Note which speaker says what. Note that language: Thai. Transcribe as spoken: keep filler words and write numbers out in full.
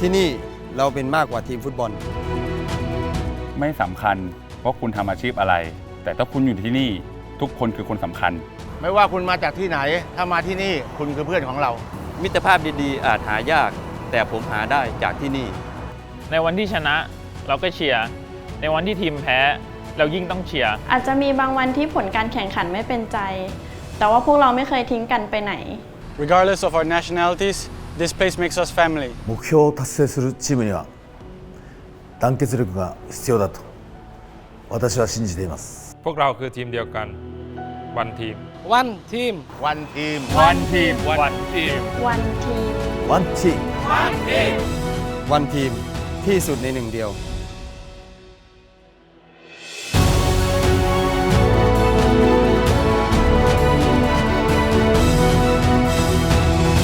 Speaker 1: ที่นี่เราเป็นมากกว่าทีมฟุตบอล
Speaker 2: ไม่สำคัญว่าคุณทำอาชีพอะไร แต่ถ้าคุณอยู่ที่นี่ทุกคนคือคนสำคัญ
Speaker 3: ไม่ว่าคุณมาจากที่ไหนถ้ามาที่นี่คุณคือเพื่อนของเรา
Speaker 1: มิตรภาพดีๆอาจหายากแต่ผมหาได้จากที่นี่
Speaker 4: ในวันที่ชนะเราก็เชียร์ในวันที่ทีมแพ้เรายิ่งต้องเชียร์
Speaker 5: อาจจะมีบางวันที่ผลการแข่งขันไม่เป็นใจแต่ว่าพวกเราไม่เคยทิ้งกันไปไหน
Speaker 6: Regardless of our nationalities, this place makes us family.
Speaker 7: 目標を達成するチームには団結力が必要だと私は信じています
Speaker 8: พวกเราคือทีมเดียวกันวันทีม
Speaker 3: One team One team
Speaker 4: One team One team
Speaker 5: One team
Speaker 7: One team
Speaker 1: One team ที่สุดในหนึ่งเดียว